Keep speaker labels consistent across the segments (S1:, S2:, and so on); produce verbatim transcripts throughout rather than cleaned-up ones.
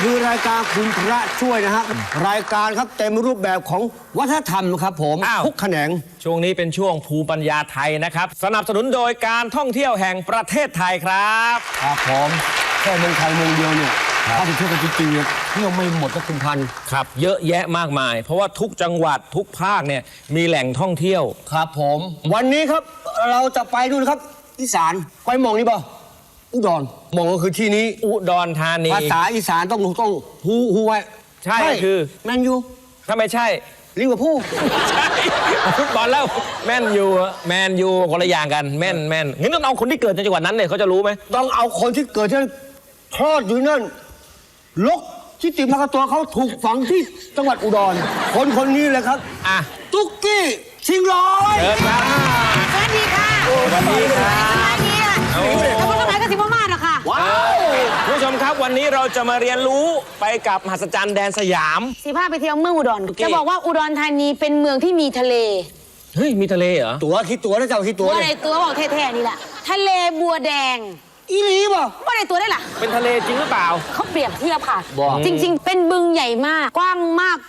S1: คือรายการคุณพระช่วยนะฮะรายการครับเต็มรูปแบบของวัฒนธรรมครับผมทุกแขนง
S2: ช่วงนี้เป็นช่วงภูมิปัญญาไทยนะครับสนับสนุนโดยการท่องเที่ยวแห่งประเทศไทยครับ
S1: ครับผมแค่เมืองไทยเมืองเดียวเนี่ยถ้าจะเที่ยวกันจริงๆเนี่ยเที่ยวไม่หมดก็คุณพัน
S2: ครับเยอะแยะมากมายเพราะว่าทุกจังหวัดทุกภาคเนี่ยมีแหล่งท่องเที่ยว
S1: ครับผมวันนี้ครับเราจะไปดูนะครับอีสานไปมองนี่ป่ะอุดรมองก็คือที่นี้
S2: อุดรธานี
S1: ภาษาอีสานต้องต้องฮู้ฮู้ไว้
S2: ใช่คือ
S1: แมนยู
S2: ถ้าไม่ใช่
S1: ลิเวอร์พูล
S2: ใช่ฟุตบอลแล้วแมนยูแมนยูคนละอย่างกันแม่นแม่นงั้นต้องเอาคนที่เกิดในจังหวัดนั้นเนี่ยเขาจะรู้ไหม
S1: ต้องเอาคนที่เกิดที่คลอดอยู่นั่นลกที่ติมากตัวเขาถูกฝังที่จังหวัดอุดรคนคนนี้เลยครับ
S2: อ่ะ
S1: ตุ๊กกี้ชิงร้อย
S2: เชิญครับ
S3: สวัสดีค่ะ
S2: สวัสดีค่ะ
S3: สวัสดีค่ะแล้วก็ทำไมก็สิบมาหรอค่ะ
S2: ว้าวผู้ชมครับวันนี้เราจะมาเรียนรู้ไปกับมหัศจรรย์แดนสยาม
S3: สิพาไปเที่ยวเมืองอุดรจะบอกว่าอุดรธานีเป็นเมืองที่มีทะเล
S2: เฮ้ยมีทะเลเหรอ
S1: ตัวคิดตัวนะเจ้าคิดตัว
S3: อะไรตัวบอกแท้ๆนี่แหละทะเลบัวแดง
S1: อีหลีป่ะ
S3: ว่าอะไรตัวได้ล่ะ
S2: เป็นทะเลจริงหรือเปล่า
S3: เขาเปรียบเทียบค่ะจริงๆเป็นบึงใหญ่มากกว้างมาก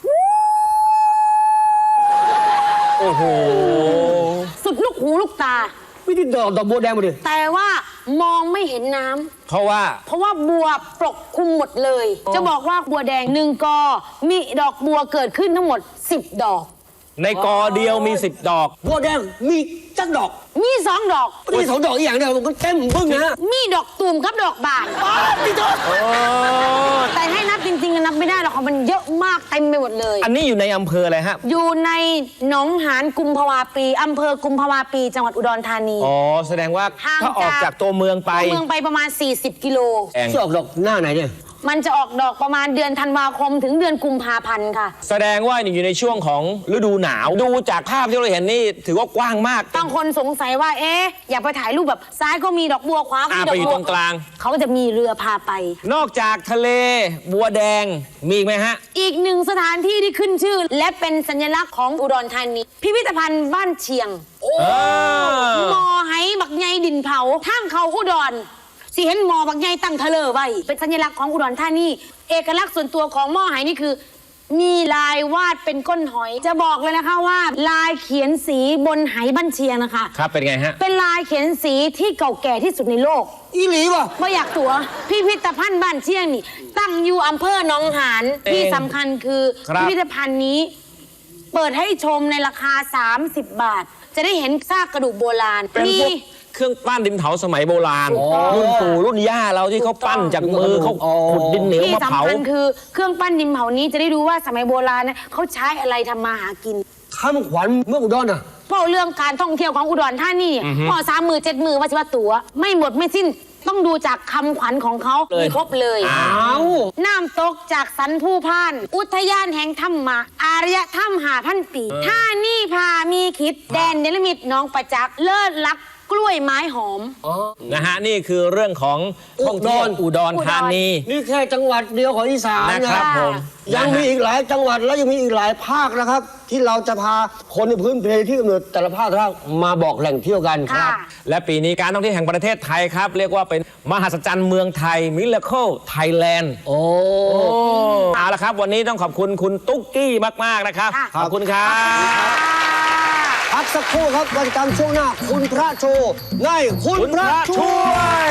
S2: โอ้โห
S3: สุดลูกหูลูกตา
S1: ไม่ได้ดอกดอกบัวแดงมาดิ
S3: แต่ว่ามองไม่เห็นน้ำ
S2: เพราะว่า
S3: เพราะว่าบัวปกคลุมหมดเลยจะบอกว่าบัวแดงหนึ่งกอมีดอกบัวเกิดขึ้นทั้งหมดสิบดอก
S2: ในกอเดียวมีสิบดอก
S1: บัวแดงมีจักดอก
S3: มีสองดอก
S1: มีสองดอกอีกอย่างเดียวมันเต็มบึ้งนะ
S3: มีดอกตูมกับดอกบาน
S1: พี่จ๊
S3: อแต่ให้นับจริงๆนับไม่ได้หรอกมันเยอะมากเต็มไปหมดเลย
S2: อันนี้อยู่ในอำเภออะไรฮะ
S3: อยู่ในหนองหานกุมภาวาปีอำเภอกุมภาวาปีจังหวัดอุดรธานี
S2: อ๋อแสดงว่าถ้าออกจากตัวเมืองไป
S3: ตัวเมืองไปประมาณสี่สิบกิโล
S1: จะออกดอกหน้าไหนเนี่ย
S3: มันจะออกดอกประมาณเดือนธันวาคมถึงเดือนกุมภาพันธ์ค่ะ
S2: แสดงว่าอยู่ในช่วงของฤดูหนาวดูจากภาพที่เราเห็นนี่ถือว่ากว้างมาก
S3: บางคนสงสัยว่าเอ๊ะอยากไปถ่ายรูปแบบซ้ายก็มีดอกบัวขวาก็มีดอกบัว
S2: ตรงกลาง
S3: เขาก็จะมีเรือพาไป
S2: นอกจากทะเลบัวแดงมีอีกไหมฮะ
S3: อีกหนึ่งสถานที่ที่ขึ้นชื่อและเป็นสัญลักษณ์ของอุดรธานีพิพิธภัณฑ์บ้านเชียงโอ้มอไหบักใหญ่ดินเผาทางเขาอุดรสิเห็นหมอบางใหญ่ตั้งทะเลไว้เป็นสัญลักษณ์ของอุดรธานีเอกลักษณ์ส่วนตัวของหม้อไหนี่คือมีลายวาดเป็นก้นหอยจะบอกเลยนะคะว่าลายเขียนสีบนไหบ้านเชียงนะคะ
S2: ครับเป็นไงฮะ
S3: เป็นลายเขียนสีที่เก่าแก่ที่สุดในโลก
S1: อีหลีวะ
S3: ไม่อยากตัวพิพิธภัณฑ์บ้านเชียงนี่ตั้งอยู่อำเภอหนองหานที่สำคัญคือพิพิธภัณฑ์นี้เปิดให้ชมในราคาสามสิบบาทจะได้เห็นซากกระดูกโบราณ
S2: มีเครื่องปั้นดินเผาสมัยโบราณรุ่นปู่รุ่นย่าเราที่เขาปั้นจากมือเขาขุดดินเหนียวมาเผา
S3: ที่สำคัญคือเครื่องปั้นดินเผานี้จะได้ดูว่าสมัยโบราณเนี่ยเขาใช้อะไรทำมาหากิน
S1: คำขวัญเมืองอุดรน่ะ
S3: เพราะเรื่องการท่องเที่ยวของอุดรธานีพอสามมือเจ็ดมือว่าจะว่าตัวไม่หมดไม่สิ้นต้องดูจากคำขวัญของเขามีครบเลยน้ำตกจากสันผู้พานอุทยานแห่งธรรมะอารยธรรมหาพันปีท่านี่พามีคิดแดนเนรมิตน้องประจักษ์เลิศลักกล้วยไม้หอม
S2: นะฮะนี่คือเรื่องของท่องเที่ยวอุดรธานี
S1: นี่แค่จังหวัดเดียวของอีสาน
S2: นะครับผม
S1: ยังมีอีกหลายจังหวัดและยังมีอีกหลายภาคนะครับที่เราจะพาคนในพื้นเพที่กำเนิดแต่ละภาคมาบอกแหล่งเที่ยวกันครับ
S2: และปีนี้การท่องเที่ยวแห่งประเทศไทยครับเรียกว่าเป็นมหัศจรรย์เมืองไทย Miracle Thailand
S1: โอ้
S2: เอาละครับวันนี้ต้องขอบคุณคุณตุ๊กกี้มากๆนะครับขอบคุณครับ
S1: พักสักครู่ครับวันจันทร์ช่วงหน้าคุณพระโชว์ในคุณพระช่วย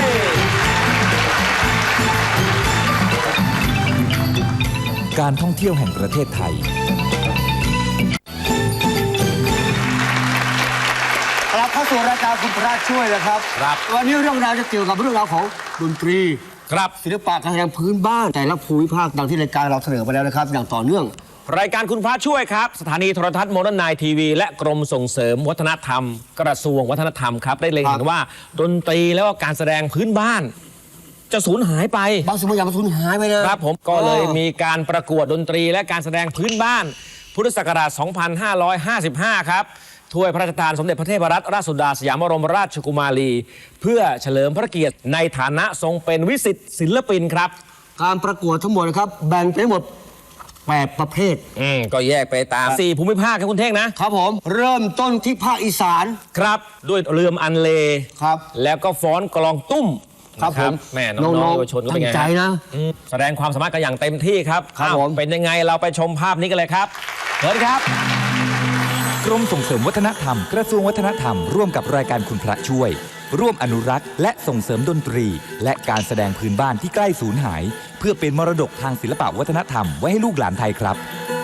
S4: การท่องเที่ยวแห่งประเทศไทย
S1: กลับเข้าสู่รายการคุณพระช่วยนะครับ
S2: ครับ
S1: วันนี้เรื่องราวจะเกี่ยวกับเรื่องราวของดนตรี
S2: ครับ
S1: ศิลปะการแสดงพื้นบ้านแต่ละภูมิภาคดังที่รายการเราเสนอไปแล้วนะครับอย่างต่อเนื่อง
S2: รายการคุณพระช่วยครับสถานีโทรทัศน์โมเดิร์นไนน์ทีวีและกรมส่งเสริมวัฒนธรรมกระทรวงวัฒนธรรมครับได้เล็งเห็นว่าดนตรีแล้วก็การแสดงพื้นบ้านจะสูญหายไป
S1: บางสิ่งบางอย่างมันสูญหายไปนะครับ
S2: ผมก็เลยมีการประกวดดนตรีและการแสดงพื้นบ้านพุทธศักราช สองพันห้าร้อยห้าสิบห้า ครับถ้วยพระราชทานสมเด็จพระเทพรัตนราชสุดาสยามบรมราชกุมารีเพื่อเฉลิมพระเกียรติในฐานะทรงเป็นวิสิตศิลปินครับ
S1: การประกวดทั้งหมดนะครับแบ่งเป็นหมดแปดประเภท
S2: อืมก็แยกไปตามสี่ภูมิภาคครับคุณเท่ง
S1: นะครับผมเริ่มต้นที่ภาคอีสาน
S2: ครับด้วยเรือมอันเล
S1: ครับ
S2: แล้วก็ฟ้อนกลองตุ้ม
S1: ครับผม
S2: แม่น้องๆเยาวชนก็เป็นไง
S1: ตั้งใจนะ
S2: อืมแสดงความสามารถกันอย่างเต็มที่ครับ
S1: ครับ
S2: อ้าว
S1: ผม
S2: เป็นยังไงเราไปชมภาพนี้กันเลยครับเชิญครับ
S4: กรมส่งเสริมวัฒนธรรมกระทรวงวัฒนธรรมร่วมกับรายการคุณพระช่วย ร่วมอนุรักษ์และส่งเสริมดนตรี และการแสดงพื้นบ้านที่ใกล้สูญหาย เพื่อเป็นมรดกทางศิลปวัฒนธรรมไว้ให้ลูกหลานไทยครับ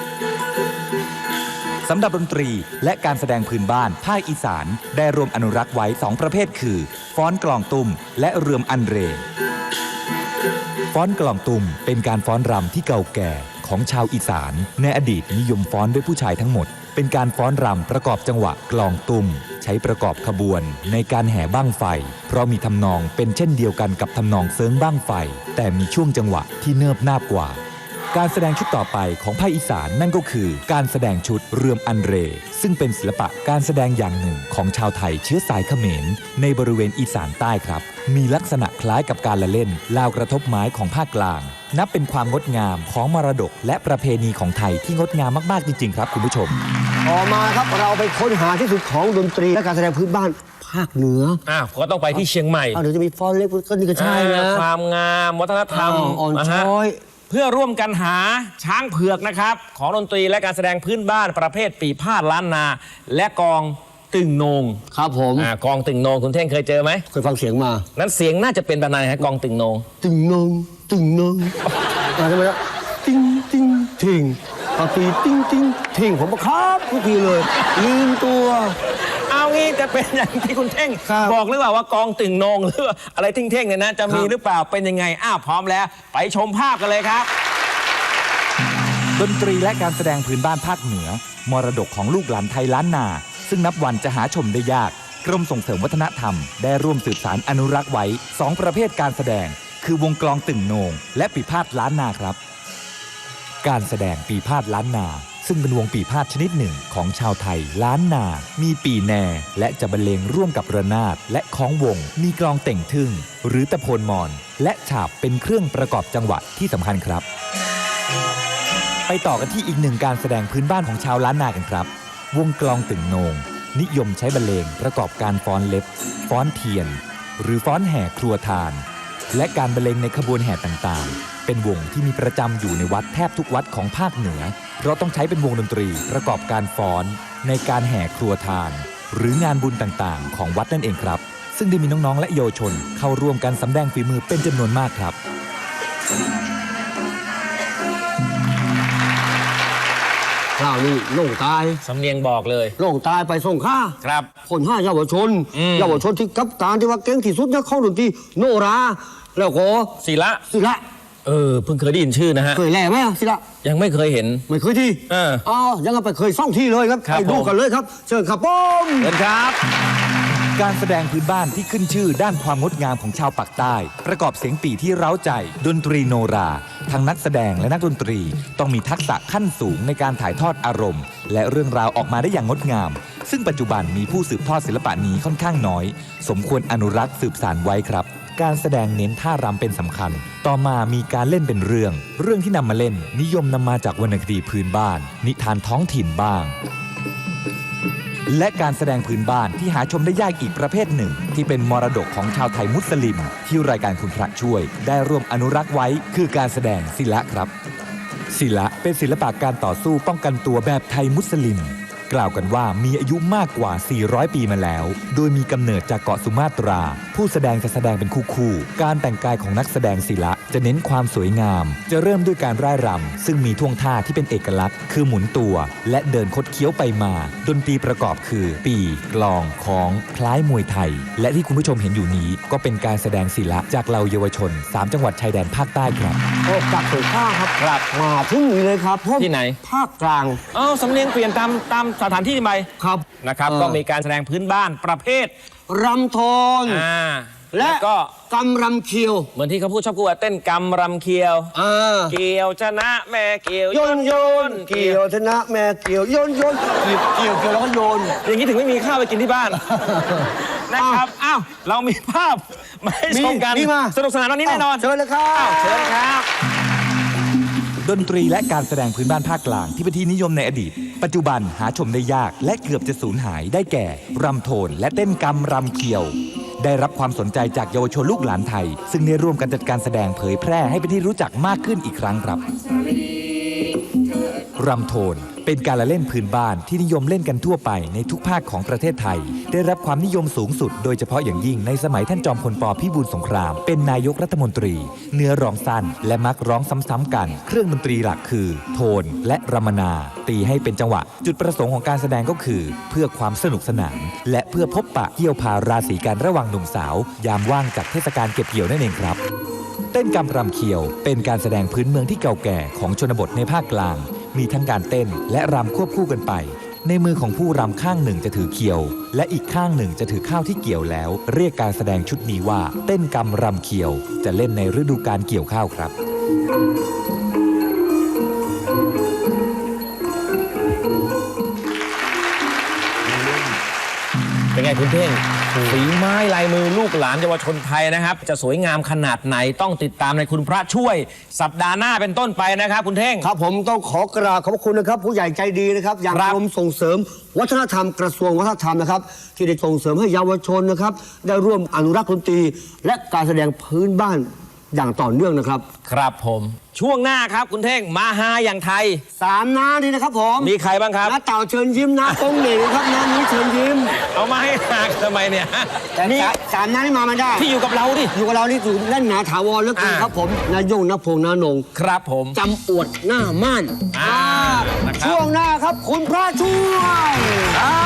S4: สำหรับดนตรีและการแสดงพื้นบ้านภาคอีสานได้รวมอนุรักษ์ไว้สองประเภทคือฟ้อนกลองตุ้มและเรือมอันเรฟ้อนกลองตุ้มเป็นการฟ้อนรำที่เก่าแก่ของชาวอีสานในอดีตนิยมฟ้อนด้วยผู้ชายทั้งหมดเป็นการฟ้อนรำประกอบจังหวะกลองตุ้มใช้ประกอบขบวนในการแห่บั้งไฟเพราะมีทำนองเป็นเช่นเดียวกันกับทำนองเซิงบั้งไฟแต่มีช่วงจังหวะที่เนิบนาบกว่าการแสดงชุดต่อไปของภาคอีสานนั่นก็คือการแสดงชุดเรือมอันเรซึ่งเป็นศิลปะการแสดงอย่างหนึ่งของชาวไทยเชื้อสายเขมรในบริเวณอีสานใต้ครับมีลักษณะคล้ายกับการละเล่นลาวกระทบไม้ของภาคกลางนับเป็นความงดงามของมรดกและประเพณีของไทยที่งดงามมากๆจริงๆครับคุณผู้ชม
S1: ต่อมาครับเราไปค้นหาที่สุดของดนตรีและการแสดงพื้นบ้านภาคเหนือ
S2: อ้าวก็ต้องไปที่เชียงใหม่
S1: อ้าวเดี๋ยวจะมีฟ้อนเล็กก็นี่ก็ใช่นะ
S2: อ่าความงามวัฒนธรรม
S1: อ้าวอ่อน
S2: นะฮะ
S1: ช้อย
S2: เพื่อร่วมกันหาช้างเผือกนะครับของดนตรีและการแสดงพื้นบ้านประเภทปีพาดล้านนา และกองตึงโหนง
S1: ครับผม
S2: อ่ากองตึงโหนงคุณเท่งเคยเจอไหม
S1: เคยฟังเสียงมา
S2: นั้นเสียงน่าจะเป็นแบบไหนฮะกองตึงโหนง
S1: ตึงนงตึงนงอะไรไหมนะติ้งติ้งทิ้งพอตีติ้งติ้งทิ้งผมบอกครับทุกทีเลยลืมตัว
S2: เอางี้จะเป็นอย่างที่คุณเท่ง
S1: ครับ
S2: บอกหรือเปล่าว่ากองตึงโหนงหรือว่าอะไรเท่งๆเนี่ยนะจะมี
S1: ครับ
S2: หรือเปล่าเป็นยังไงอ้าวพร้อมแล้วไปชมภาพกันเลยครับ
S4: ดนตรีและการแสดงพื้นบ้านภาคเหนือมรดกของลูกหลานไทยล้านนาซึ่งนับวันจะหาชมได้ยากกรมส่งเสริมวัฒนธรรมได้ร่วมสืบสารอนุรักษ์ไว้สองประเภทการแสดงคือวงกลองตึงโหนงและปีพาดล้านนาครับการแสดงปีพาดล้านนาซึ่งเป็นวงปีพาดชนิดหนึ่งของชาวไทยล้านนามีปีแน่และจะบรรเลงร่วมกับระนาดและคล้องวงมีกลองเต่งทึ่งหรือตะโพนมอนและฉาบเป็นเครื่องประกอบจังหวะที่สำคัญครับไปต่อกันที่อีกหนึ่งการแสดงพื้นบ้านของชาวล้านนากันครับวงกลองตึงโหนงนิยมใช้บรรเลงประกอบการฟ้อนเล็บฟ้อนเทียนหรือฟ้อนแห่ครัวทานและการบรรเลงในขบวนแห่ต่างๆเป็นวงที่มีประจำอยู่ในวัดแทบทุกวัดของภาคเหนือเพราะต้องใช้เป็นวงดนตรีประกอบการฟ้อนในการแห่ครัวทานหรืองานบุญต่างๆของวัดนั่นเองครับซึ่งได้มีน้องๆและเยาวชนเข้าร่วมกันสำแดงฝีมือเป็นจำนวนมากครับ
S1: ข้าวนี่โล่งตาย
S2: สำเนียงบอกเลย
S1: โล่งตายไปส่งข้า
S2: ครับ
S1: คนห้าเยาวชน
S2: อืม
S1: เยาวชนที่กับการที่ว่าเก่งที่สุดเนี่ยเข้าดนตรีโนรา แล้วก็
S2: ศิละ
S1: ศิละ
S2: เออเพิ่งเคยได้ยินชื่อนะฮะ
S1: เคยแล่ไหมอะศิละ
S2: ยังไม่เคยเห็น
S1: ไม่เคยที่
S2: เออ
S1: อ๋อยังเอาไปเคยซ่องที่เลยครับ
S2: ครับ
S1: ไปดู
S2: ผม
S1: กันเลยครับเชิญครับผม
S2: เชิญครับ
S4: การแสดงพื้นบ้านที่ขึ้นชื่อด้านความงดงามของชาวปากใต้ ประกอบเสียงปี่ที่เร้าใจ ดนตรีโนราทั้งนักแสดงและนักดนตรี ต้องมีทักษะขั้นสูงในการถ่ายทอดอารมณ์ และเรื่องราวออกมาได้อย่างงดงาม ซึ่งปัจจุบันมีผู้สืบทอดศิลปะนี้ค่อนข้างน้อย สมควรอนุรักษ์สืบสานไว้ครับ การแสดงเน้นท่ารำเป็นสำคัญ ต่อมามีการเล่นเป็นเรื่อง เรื่องที่นำมาเล่น นิยมนำมาจากวรรณคดีพื้นบ้าน นิทานท้องถิ่นบ้าง และการแสดงพื้นบ้านที่หาชมได้ยากอีกประเภทหนึ่ง ที่เป็นมรดกของชาวไทยมุสลิม ที่รายการคุณพระช่วย ได้ร่วมอนุรักษ์ไว้คือการแสดงศิละครับศิละเป็นศิลปะการต่อสู้ป้องกันตัวแบบไทยมุสลิม กล่าวกันว่ามีอายุมากกว่า สี่ร้อย ปีมาแล้ว โดยมีกำเนิดจากเกาะสุมาตรา ผู้แสดงจะแสดงเป็นคู่ๆการแต่งกายของนักแสดงศิละจะเน้นความสวยงาม จะเริ่มด้วยการร่ายรำซึ่งมีท่วงท่าที่เป็นเอกลักษณ์ คือหมุนตัว และเดินคดเคี้ยวไปมา ดนตรีประกอบคือ ปีกลองของคล้ายมวยไทย และที่คุณผู้ชมเห็นอยู่นี้ก็เป็นการแสดงศิละจากเหล่าเยาวชนสามจังหวัดชายแดนภาคใต้ครับ
S1: ออกจากส่งข้าครับ
S2: ครับ
S1: มาถึงนี่เลยครับผม
S2: ที่ไหน
S1: ภาคกลาง
S2: เอ้าสำเนียงเปลี่ยนตามตามสถานที่ไป
S1: ครับ
S2: นะครับ
S1: เออ
S2: ก็มีการแสดงพื้นบ้านประเภท
S1: รำโทน
S2: อ่า
S1: และ
S2: ก็
S1: กำรำเคียว
S2: เหมือนที่เขาพูดชอบพูดว่าเต้นกำรำเคียว
S1: อ่า
S2: เกี่ยวชนะแม่เกี่ยว
S1: โยนโยนเกี่ยวชนะแม่เกี่ยวโยนโยนเกี่ยวเกี่ยวเกี่ยวแล้วก็โยน
S2: อย่างนี้ถึงไม่มีข้าวไปกินที่บ้าน นะครับอ้าวเรามีภาพมาให้ชมกัน
S1: มีมา
S2: สนุกสนานวันนี้แน่นอน
S1: เชิญเลยครั
S2: อ้าว
S1: บ
S2: เชิญครับ
S4: ดนตรีและการแสดงพื้นบ้านภาคกลางที่เป็นที่นิยมในอดีต ปัจจุบันหาชมได้ยากและเกือบจะสูญหายได้แก่รำโทนและเต้นกำรำเคียวได้รับความสนใจจากเยาวชนลูกหลานไทย ซึ่งได้ร่วมกันจัดการแสดงเผยแพร่ให้เป็นที่รู้จักมากขึ้นอีกครั้งครับรำโทนเป็นการละเล่นพื้นบ้านที่นิยมเล่นกันทั่วไปในทุกภาคของประเทศไทยได้รับความนิยมสูงสุดโดยเฉพาะอย่างยิ่งในสมัยท่านจอมพลป.พิบูลสงครามเป็นนายกรัฐมนตรีเนื้อร้องสั้นและมักร้องซ้ำๆกันเครื่องดนตรีหลักคือโทนและรำมนาตีให้เป็นจังหวะจุดประสงค์ของการแสดงก็คือเพื่อความสนุกสนานและเพื่อพบปะเกี่ยวพาราศีกันระหว่างหนุ่มสาวยามว่างจากเทศกาลเก็บเกี่ยวนั่นเองครับเต้นกำรำเขียวเป็นการแสดงพื้นเมืองที่เก่าแก่ของชนบทในภาคกลางมีทั้งการเต้นและรำควบคู่กันไปในมือของผู้รำข้างหนึ่งจะถือเขียวและอีกข้างหนึ่งจะถือข้าวที่เกี่ยวแล้วเรียกการแสดงชุดนี้ว่าเต้นกำรำเขียวจะเล่นในฤดูกาลเกี่ยวข้าวครับ
S2: เป็นไงคุณเท่งฝีไม้ลายมือลูกหลานเยาวชนไทยนะครับ จะสวยงามขนาดไหนต้องติดตามในคุณพระช่วย สัปดาห์หน้าเป็นต้นไปนะครับคุณเท่ง
S1: ครับผมต้องขอกราบขอบพระคุณนะครับ ผู้ใหญ่ใจดีนะครับอย่าง
S2: ครับ
S1: กรมส่งเสริมวัฒนธรรมกระทรวงวัฒนธรรมนะครับที่ได้ส่งเสริมให้เยาวชนนะครับได้ร่วมอนุรักษ์ดนตรีและการแสดงพื้นบ้านอย่างต่อเนื่องนะครับ
S2: ครับผมช่วงหน้าครับคุณเท่งมาฮาอย่างไทย
S1: สามน้านี่นะครับผม
S2: มีใครบ้างครับ
S1: น้าเต่าเชิญยิ้มน้าโป้งเหน่งครับน้านุ้ยเชิญยิ้ม
S2: เอามาให้หากทำไมเนี่ย
S1: แต่นี่สามน้านี่มาไม่ได้
S2: ที่อยู่กับเราดิ
S1: อยู่กับเรานี่ถือแน่นหนาถาวรเหลือเกิน
S2: อ่า
S1: ครับผมนายงนพงษ์นานง
S2: ครับผม
S1: จำอวดหน้าม่าน
S2: อ่านะครับ
S1: ช่วงหน้าครับคุณพระช่วย
S2: อ่า